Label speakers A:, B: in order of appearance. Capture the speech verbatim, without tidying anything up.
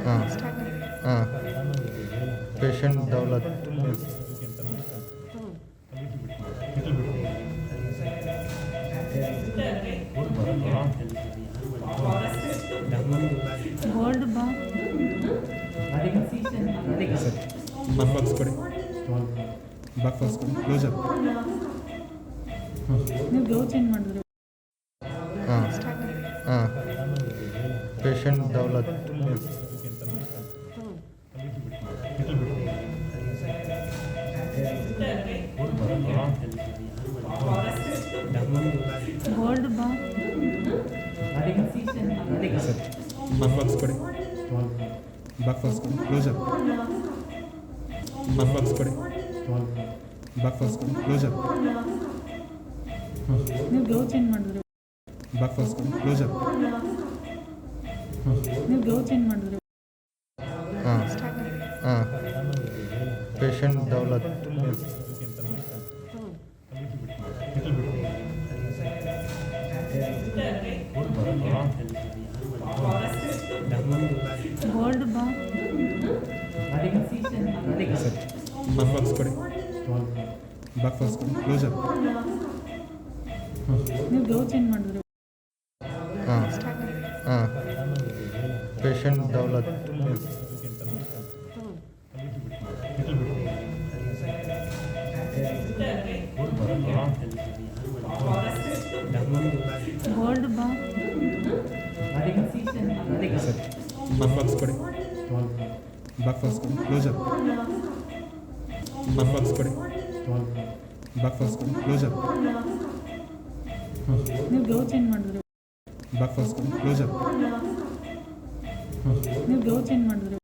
A: ಹಾಂ ಹಾಂ patient Daulat
B: gold ಬಾ
C: ಸರ್ ಬಕ್ ಬಾಕ್ಸ್ ಕೊಡಿ ಬಕ್ ಬಾಕ್ಸ್ ಕೊಡಿ ಕ್ಲೋಸರ್
B: ನೀವು ಬ್ಲೌಸ್ ಚೇಂಜ್ ಮಾಡಿದ್ರಿ
A: ಹಾಂ ಹಾಂ ಪೇಷಂಟ್ ದೌಲತ್
B: ಗೋಲ್ಡ್ ಬಾ
C: ಸರ್ ಬಕ್ ಬಾಕ್ಸ್ ಕೊಡಿ ಬಕ್ ಬಾಕ್ಸ್ ಕೊಡಿ ಕ್ಲೋಸರ್ ಬಕ್ ಬಾಕ್ಸ್ ಕೊಡಿ ಬಕ್ ಬಾಕ್ಸ್ ಕೊಡಿ ಕ್ಲೋಸರ್
B: ನೀವು ಬ್ಲೌಸ್ ಚೇಂಜ್ ಮಾಡಿದ್ರಿ
C: ಬಕ್ ಬಾಕ್ಸ್ ಕೊಡಿ ಕ್ಲೋಸರ್
B: ನೀವು ಬ್ಲೌಸ್ ಚೇಂಜ್ ಮಾಡಿದ್ರಿ
A: ಹಾಂ ಹಾಂ ಪೇಷಂಟ್ ದೌಲತ್
B: ಗೋಲ್ಡ್ ಬಾ
C: ಸರ್ ಬಕ್ ಬಾಕ್ಸ್ ಕೊಡಿ ಬಕ್ ಬಾಕ್ಸ್ ಕೊಡಿ ಕ್ಲೋಸರ್
B: ನೀವು ಬ್ಲೌಸ್ ಚೇಂಜ್ ಮಾಡಿದ್ರಿ
A: ಹಾಂ ಹಾಂ ಪೇಷಂಟ್ ದೌಲತ್
B: ಗೋಲ್ಡ್ ಬಾ
C: ಸರ್ ಬಕ್ ಬಾಕ್ಸ್ ಕೊಡಿ ಬಕ್ ಬಾಕ್ಸ್ ಕೊಡಿ ಕ್ಲೋಸರ್ ಬಕ್ ಬಾಕ್ಸ್ ಕೊಡಿ ಬಕ್ ಬಾಕ್ಸ್ ಕೊಡಿ ಕ್ಲೋಸರ್
B: ನೀವು ಬ್ಲೌಸ್ ಚೇಂಜ್ ಮಾಡಿದ್ರಿ
C: ಬಕ್ ಬಾಕ್ಸ್ ಕೊಡಿ ಕ್ಲೋಸರ್
B: ನೀವು ಬ್ಲೌಸ್ ಚೇಂಜ್ ಮಾಡಿದ್ರಿ